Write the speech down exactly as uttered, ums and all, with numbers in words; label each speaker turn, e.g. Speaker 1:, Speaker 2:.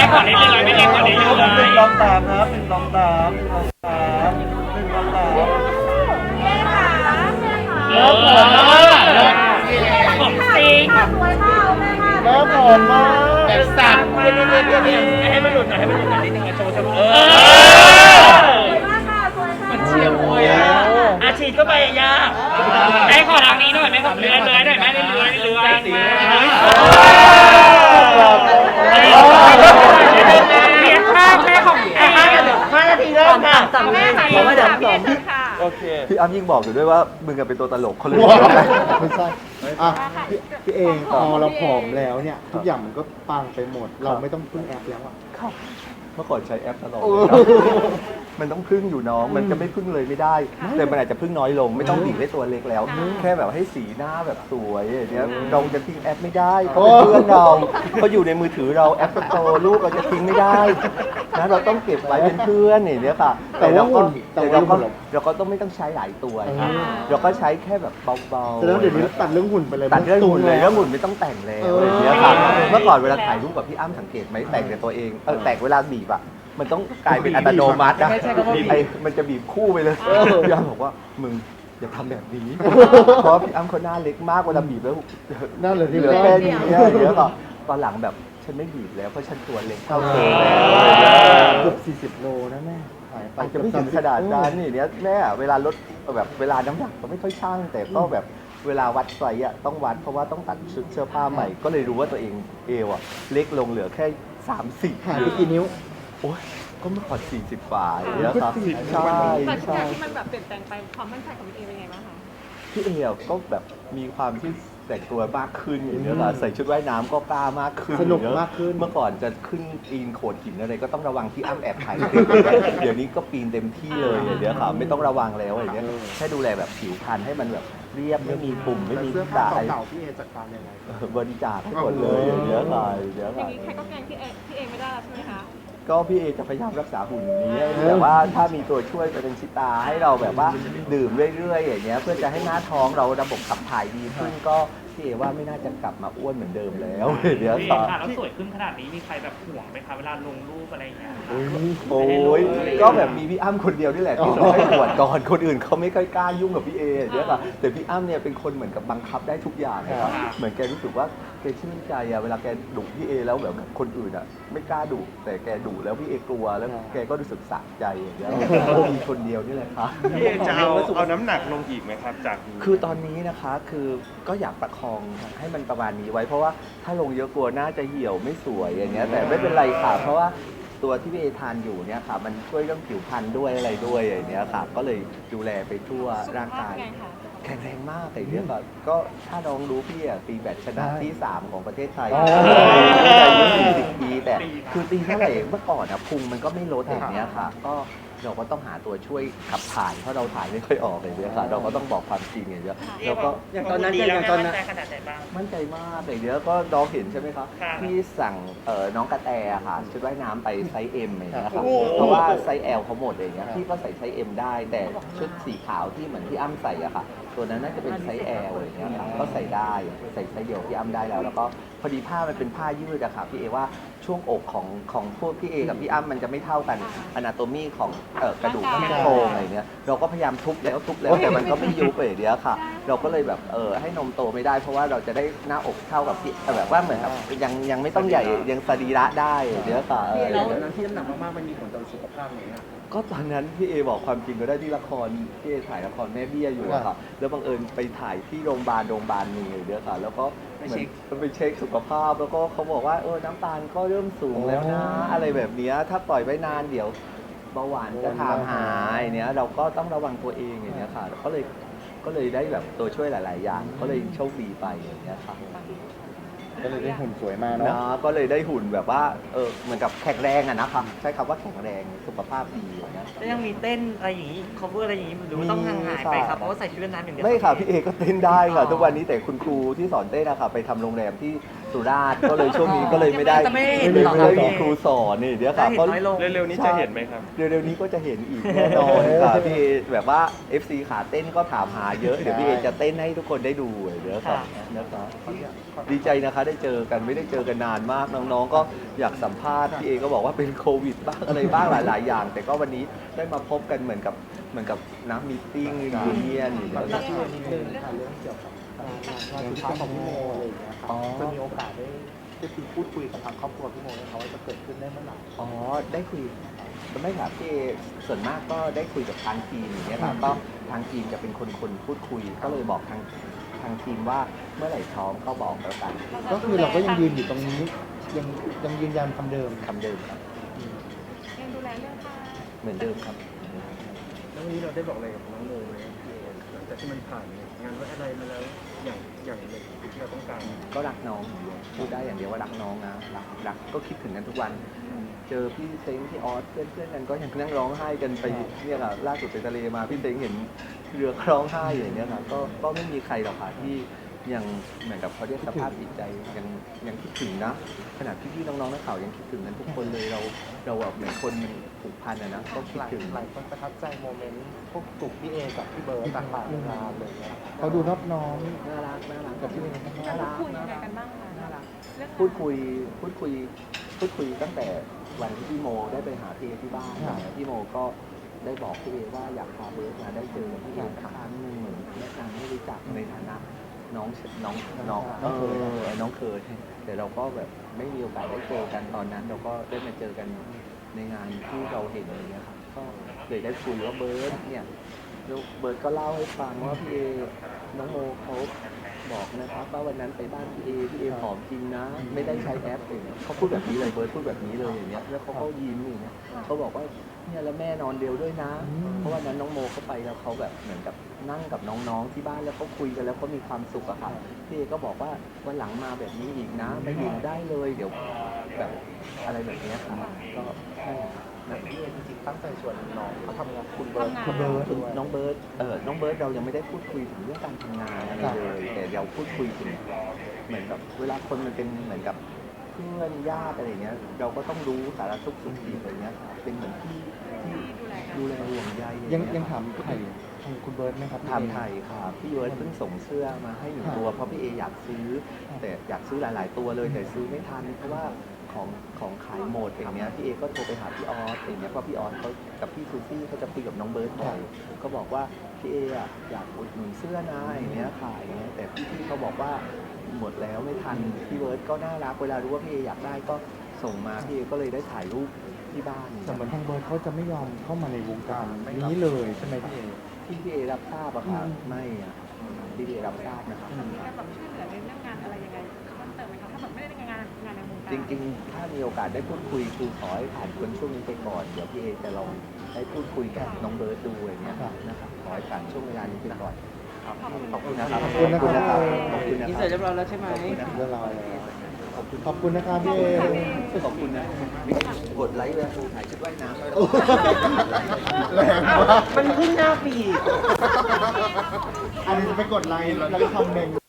Speaker 1: ก่อนเรื่อยๆไม่เองก่อนเรื่อยๆ
Speaker 2: หนึ่งลองตามครับหนึ่งลองตามหนึ่งลองตามหนึ่งลองตามเริ่มผอมมาก
Speaker 1: ผมจริง
Speaker 2: เริ่มผอมมากแบบสั่น
Speaker 1: ให้มันหลุดหน่อยให้มันหลุดหน่อยนิดนึงโชว์โชว์เออมันเชียร์มวยอ่ะอาชีพก็ไปยากแม่ขอทางนี้หน่อยแม่ขอเลื้อยเลื้อยหน่อยแม่เลื้อยเลื้อยเลื้อยเรียนภาพแม่ของห้านาทีเริ่มค่ะแม่ค่ะผมว่าเดี๋ยวสอน
Speaker 2: โอเค
Speaker 3: พี่อ้ำยิ่งบอกอยู่ด้วยว่ามึงเป็นตัวตลกเขาเลย
Speaker 4: ไม่ใช่อ่ะพี่เองพอเราผอมแล้วเนี่ยทุกอย่างมันก็ปังไปหมดเราไม่ต้องพึ่งแอปแล้วอ่ะ
Speaker 3: เมื่อก่อนใช้แอปตลอดมันต้องพึ่งอยู่น้องมันจะไม่พึ่งเลยไม่ได้แต่มันอาจจะพึ่งน้อยลงไม่ต้องบีบให้ตัวเล็กแล้วแค่แบบให้สีหน้าแบบสวยอย่างเงี้ยเราจะทิ้งแอปไม่ได้เขาเป็นเพื่อนเราเขาอยู่ในมือถือเราแอปสโตร์ลูกเราจะทิ้งไม่ได้นะเราต้องเก็บไว้เป็นเพื่อนอย่างเงี้ยค่ะแต่เราก็แต่เราก็เราก็ต้องไม่ต้องใช้หลายตัวเราก็ใช้แค่แบบเบาๆ
Speaker 4: แล้วเดี๋ยวนี้ตัดเรื่องหุ่นไปเลย
Speaker 3: ตัดเรื่องหุ่นเลยเรื่องหุ่นไม่ต้องแต่งแล้วอย่างเงี้ยค่ะเมื่อก่อนเวลาถ่ายรูปกับพี่อ้ำสังเกตไหมแต่งแต่ตัวเองเออแต่งเวลาบีบอะมันต้องกลายเป็นอัตโนมัตินะไอ้มันจะบีบคู่ไปเลยพี่อ้ำบอกว่ามึงอย่าทำแบบนี้เพราะพี่อ้ำเขาหน้าเล็กมากเวลาบีบแล้ว
Speaker 4: หน้าเหลือที่
Speaker 3: เหลือแค่นี้เยอะก็ตอนหลังแบบฉันไม่บีบแล้วเพราะฉันตัวเล็กเท่าเธอ
Speaker 4: เกือบสี่สิบโลนะแม่หายไป
Speaker 3: จะไม่ถึงขนาดนั้นนี่เนี้ยแม่เวลาลดแบบเวลาน้ำหนักก็ไม่ค่อยช่างแต่ก็แบบเวลาวัดไซส์อ่ะต้องวัดเพราะว่าต้องตัดชุดเสื้อผ้าใหม่ก็เลยรู้ว่าตัวเองเอวอ่ะเล็กลงเหลือแค่สามสิบ
Speaker 4: หายไปกี่นิ้ว
Speaker 3: โอ้ยก็เมื่อก่อนสี่สิบกว่าอย่างเงี้ยครับใช่
Speaker 5: แต่ทุก
Speaker 3: ใช่
Speaker 5: อย่างที่มันแบบเปลี่ยนแปลงไปความมั่นใจของพี่เอเป็นไงบ้างคะ
Speaker 3: พี่เอก็แบบมีความที่แต่งตัวมากขึ้นอย่างเงี้ยค่ะใส่ชุดว่ายน้ำก็กล้ามากขึ้น
Speaker 4: สนุกมากขึ้น
Speaker 3: เมื่อก่อนจะขึ้นปีนโขดหินอะไรก็ต้องระวังที่อ้ำแอบถ่ายเดี๋ยวนี้ก็ปีนเต็มที่เลยอย่างเงี้ยค่ะไม่ต้องระวังแล้วอย่างเงี้ยแค่ดูแลแบบผิวพรรณให้มันแบบเรียบไม่มีปุ่มไม่มีสาย
Speaker 4: เก่าพี่เอจัดการยังไง
Speaker 3: บริจาคให้หมดเลยอย่างเงี้ยค่ะอย่างเงี้ย
Speaker 5: อย่า
Speaker 3: ค่ะ
Speaker 5: งนี้ใครก็แกล้งพี่เอพี่เอไม่ได้แล้วใช่ไหมคะ
Speaker 3: ก็พี่เอจะพยายามรักษาหุ่นนี้แต่ว่าถ้ามีตัวช่วยจะเป็นชิตาให้เราแบบว่าดื่มเรื่อยๆอย่างเงี้ยเพื่อจะให้หน้าท้องเราระบบขับถ่ายดีขึ้นก็พี่เอว่าไม่น่าจะกลับมาอ้วนเหมือนเดิมแล้วเดี๋ยว
Speaker 1: ค่ะแล้วสวยขึ้นขนาดนี้มีใครแบบห่วงไหมคะเวลาลงรูปอะไรอย่างเงี้ย
Speaker 3: โอ้ยก็แบบมีพี่อ้ำคนเดียวนี่แหละที่เราให้ตรวจก่อนคนอื่นเขาไม่ค่อยกล้ายุ่งกับพี่เอเดี๋ยวค่ะแต่พี่อ้ำเนี่ยเป็นคนเหมือนกับบังคับได้ทุกอย่างนะครับเหมือนแกรู้สึกว่าแกชื่นใจอะเวลาแกดุพี่เอแล้วแบบคนอื่นอะไม่กล้าดุแต่แกดุแล้วพี่เอกลัวแล้วแกก็รู้สึกสะใจอย่างเงี้ยมีคนเดียวนี่แหละครับ
Speaker 2: พี่เอจะเอาเอาน้ำหนักลงอีกไหมครับจาก
Speaker 3: คือตอนนี้นะคะคือก็อยากประคองให้มันประมาณนี้ไว้เพราะว่าถ้าลงเยอะกลัวน่าจะเหี่ยวไม่สวยอย่างเงี้ยแต่ไม่เป็นไรค่ะเพราะว่าตัวที่พี่เอทานอยู่เนี่ยค่ะมันช่วยเรื่องผิวพรรณด้วยอะไรด้วยอย่างเงี้ยค่ะก็เลยดูแลไปทั่วร่างกายแข็งแรงมากแต่เนี้ยแบบก็ถ้าน้องรู้พี่อ่ะตีแบดชนะที่สามของประเทศไทยอายุสี่สิบปีแต่คือตีเท่าไหร่เมื่อก่อนอ่ะพุงมันก็ไม่ลดอย่างเงี้ยค่ะก็เราก็ต้องหาตัวช่วยขับถ่ายเพราะเราถ่ายไม่ค่อยออกเลยเนี่ยค่ะเราก็ต้องบอกความจริงอย่างเงี้ยแล้วก็
Speaker 1: อย่างตอนนั้นอย่างตอนนั้นขนาดไหนบ้าง
Speaker 3: มั่นใจมากอย่างเงี้ยก็น้องเห็นใช่ไหมครับที่สั่งน้องกระแตค่ะชุดว่ายน้ำไปไซส์ M อย่างเงี้ยค่ะเพราะว่าไซส์ L เขาหมดอย่างเงี้ยพี่ก็ใส่ไซส์ M ได้แต่ชุดสีขาวที่เหมือนที่อ้ำใส่อะค่ะตัวนั้นน่าจะเป็นไซส์ L อย่างเงี้ยค่ะก็ใส่ได้ใส่ไซส์เดียวที่อ้ำได้แล้วแล้วก็พอดีผ้ามันเป็นผ้ายืดอะค่ะพี่เอว่าช่วงอกของของพวกพี่เอกับพี่อ้ำมันจะไม่เท่ากันอนาโตมีของเอ่อกระดูกที่โครงอะไรเงี้ยเราก็พยายามทุบแล้วทุบแล้วแต่มันก็ไม่ยุบไปเดียวค่ะเราก็เลยแบบเออให้นมโตไม่ได้เพราะว่าเราจะได้หน้าอกเท่ากับพี่แบบว่าเหมือนกับยังยังไม่ต้องใหญ่ยังสรีระได้เดียวค่ะ
Speaker 4: แล้วนั้นที่น้ำหนักมากๆมันมีผลต่อสุขภาพไหม
Speaker 3: ก็ตอนนั้นพี่เอบอกความจริงก็ได้ที่ละครพี่เอถ่ายละครแม่เบี้ยอยู่อะค่ะแล้วบังเอิญไปถ่ายที่โรงพยาบาลโรงพยาบาลนึงเลยเดียวค่ะแล้วก็เหมือนไปเช็คสุขภาพแล้วก็เขาบอกว่าเออน้ำตาลก็เริ่มสูงแล้วนะอะไรแบบนี้ถ้าปล่อยไว้นานเดี๋ยวเบาหวานจะถามหายเนี้ยเราก็ต้องระวังตัวเองอย่างเงี้ยค่ะก็เลยก็เลยได้แบบตัวช่วยหลาย ๆ อย่างก็เลยโชคดีไปอย่างเงี้ยค่ะ
Speaker 4: ก็เลยได้หุ่นสวยมาเนาะ
Speaker 3: ก็เลยได้หุ่นแบบว่าเออเหมือนกับแข็งแรงอะนะครับใช้คำว่าแข็งแรงสุขภาพดีอย่างเงี้ย
Speaker 1: แล้วยังมีเต้นอะไรอย่างนี้ cover อะไรอย่างนี้หรือต้องห่างหายไปครับเพราะว่าใส่ชุดว่ายน้ำอย่างเดียว
Speaker 3: ไม่ค่ะพี่เอก็เต้นได้ค่ะทุกวันนี้แต่คุณครูที่สอนเต้นนะคะไปทำโรงแรมที่สุราษฎร์ก็เลยช่วงนี้ก็เลยไม่ได้
Speaker 1: จะไม่เห็น
Speaker 3: ไม่
Speaker 1: หรอ
Speaker 3: ได้
Speaker 1: ครับ
Speaker 3: มีครูสอนนี่เดี๋ยวค่ะ
Speaker 1: จะเห็นน้อยลง
Speaker 2: เร็วๆนี้จะเห็นไหมครับ
Speaker 3: เร็วๆนี้ก็จะเห็นอีกแน่นอนค่ะพี่เอแบบว่า เอฟ ซี ขาเต้นก็ถามหาเยอะเดี๋ยวพี่เอจะเต้นให้ทุกคนได้ดูเดี๋ยวค่ะนะคะดีใจนะคะได้เจอกันไม่ได้เจอกันนานมากน้องๆก็อยากสัมภาษณ์พี่เอก็บอกว่าเป็นโควิดบ้างอะไรบ้างหลายๆอย่าง แต่ก็วันนี้ได้มาพบกันเหมือนกับเหมือนกับน้ำมีตติ้งยูเนียนอยู่
Speaker 4: ขอ
Speaker 3: แล้ว
Speaker 4: อนุญาตนิดนึงค่ะเรื่องเกี่ยวกับงานสุดท้ายของพี่โมอะไรอย่างเงี้ยครับจะมีโอกาสได้ได้คุยพูดคุยกับทางครอบครัวพี่โมไหมคะว่าจะเกิดขึ้นได้เมื่อไหร่
Speaker 3: อ๋อได้คุยไม่ค่ะพี่เอส่วนมากก็ได้คุยกับทางทีมอย่างเงี้ยค่ะก็ทางทีมจะเป็นคนคนพูดคุย ก็เลยบอกทางทางทีมว่าเมื่อไหร่พร้อมก็บอกแล้วกัน
Speaker 4: ก็คือเราก็ยังยืนอยู่ตรงนี้ยังยังยืนยันคำเดิม
Speaker 3: คำเดิมครับ
Speaker 5: ยังดูแลเรื่องค่า
Speaker 3: เหมือนเดิมครับ
Speaker 2: แล้ววันนี้เราได้บอกอะไรกับน้องโมไหมพี่เอหลังจากที่มันผ่านงานไว้อะไรมาแล้วอย่างอย่างหนึ่งที่เราต้องการ
Speaker 3: ก็รักน้องพูดได้อย่างเดียวว่ารักน้องนะรักรักก็คิดถึงกันทุกวัน เจอพี่เซ้งพี่ออสเพื่อนเพื่อนๆกันก็ยังนั่งร้องไห้กันไปเนี่ยค่ะล่าสุดไปทะเลมาพี่เซ้งเห็นเรือร้องไห้อย่างเงี้ยค่ะก็ก็ไม่มีใครหรอกค่ะที่ยังเหมือนกับเขาเรียกสภาพจิตใจยังยังคิดถึงนะขนาดพี่ๆน้องๆนักข่าวยังคิดถึงกันทุกคนเลยเราเราแบบเหมือนคนมันผูกพันอะนะก็คิดถึง
Speaker 4: หลายคนประทับใจโมเมนต์พวกกลุ่มพี่เอกับพี่เบิร์ดต่างๆงานเลยเนี่ยเขาดูนอบน้อม
Speaker 3: น่ารักน่ารัก
Speaker 4: กับพี่เอ
Speaker 3: น่า
Speaker 5: จะ
Speaker 3: รัก
Speaker 5: พูดคุย
Speaker 3: น่า
Speaker 5: ยังไง
Speaker 3: รัก
Speaker 5: กันบ้างคะเรื่อง
Speaker 3: พูดคุยพูดคุยพูดคุยตั้งแต่วันที่พี่โมได้ไปหาพี่เอที่บ้านพี่โมก็ได้บอกพี่เอว่าอยากพาเบิร์ดมาได้เจอพี่เอครั้งหนึ่งเหมือนแนะนำให้รู้จักในฐานะน้องน้องน้องเออน้องเคยแต่เราก็แบบไม่มีโอกาสได้เจอกันตอนนั้น เราก็ได้มาเจอกันในงานที่เราเห็นอะไรเงี้ยครับก็เลยได้คุยว่าเบิร์ดเนี่ยแล้วเบิร์ดก็เล่าให้ฟังว่าพี่เอน้องโมเขาบอกนะครับว่าวันนั้นไปบ้านพี่เอพี่เอผอมจริงนะ ไม่ได้ใช้แอปเองเขาพูดแบบนี้เลยเบิร์ดพูดแบบนี้เลยอย่างเงี้ยแล้วเขาก็ยิ้มอย่างเงี้ยเขาบอกว่าเนี่ยแล้วแม่นอนเดียวด้วยนะ เพราะวันนั้นน้องโมเขาไปแล้วเขาแบบเหมือนกับนั่งกับน้องๆที่บ้านแล้วเขาคุยกันแล้วเขามีความสุขอะค่ะพี่เอก็บอกว่าวันหลังมาแบบนี้อีกนะมาอยู่ได้เลยเดี๋ยวแบบอะไรแบบเนี้ยค่ะก็ใช่นะพี่เอจริงๆตั้งใจชวนน้องเขาทำงานคุณเบิร์ด
Speaker 4: คุณเบิร์ด
Speaker 3: น้องเบิร์ดเออน้องเบิร์ดเรายังไม่ได้พูดคุยถึงเรื่องการทำงานอะไรเลย แต่เราพูดคุยถึงเหมือนกับเวลาคนมันเป็นเหมือนกับเพื่อนญาติอะไรเงี้ย เราก็ต้องรู้สารทุกข์สุขดิบอะไรเงี้ยครับเป็นเหมือนที่ที่ดูแลห่วงใย
Speaker 4: ยังยังถามไถ่ทางคุณเบิร์ดไหมครับ
Speaker 3: ถามไทยครับพี่เบิร์ดเพิ่งส่งเสื้อมาให้หนึ่งตัวเพราะพี่เออยากซื้อ แต่อยากซื้อหลาย ๆ ตัวเลยแต่ซื้อไม่ทันเพราะว่าของของขายหมดอย่างเงี้ยพี่เอก็โทรไปหาพี่ออสอย่างเงี้ยเพราะพี่ออสเขากับพี่ซูซี่เขาจะคุยกับน้องเบิร์ดบ่อยก็บอกว่าพี่เออะอยากอุดหนุนเสื้อนะอย่างเงี้ยขายอย่างเงี้ยแต่พี่ๆเขาบอกว่าหมดแล้วไม่ทันพี่เบิร์ดก็น่ารักเวลารู้ว่าพี่เออยากได้ก็ส่งมาพี่เอก็เลยได้ถ่ายรูปที่บ้าน
Speaker 4: แต่เหมือนทางเบิร์ดเขาจะไม่ยอมเข้ามาในวงการนี้เลยใช่ไหมพี่เอ
Speaker 3: ที่พี่เอรับทราบอะค่ะไม่อะที่พี่เอรับทราบนะครับ
Speaker 5: มีการแบบช่วยเหลือในเรื่องงานอะไรยังไงเพิ่มเติมไหมคะถ้าแบบไม่ได้งานงานในวงการ
Speaker 3: จริงๆ ถ้ามีโอกาสได้พูดคุยคือขอให้ผ่านคนช่วงนี้ไปก่อน เดี๋ยวพี่เอจะลองได้พูดคุยกับน้องเบิร์ดดูอย่างเงี้ยนะครับขอให้ผ่านช่วงเวลานี้ไปก่อนครับขอบคุณนะครับ
Speaker 4: ขอบคุณนะครับ
Speaker 3: ขอบคุณนะ
Speaker 1: อิน
Speaker 3: ค
Speaker 1: เสิ
Speaker 3: รั
Speaker 1: ร์ตเรียบร้อยแล้วใช่ไหม
Speaker 4: เรื่องราวอะไร
Speaker 3: ขอบคุณ
Speaker 4: ขอบคุณนะครับพี่เอ
Speaker 3: ขอบคุณนะกดไลค์เลยถ่ายชุดว่ายน้ำ
Speaker 4: แรงมาก
Speaker 1: มันขึ้นหน้าปีด
Speaker 4: อันนี้จะไปกดไลค์แล้วก็คอมเมนต์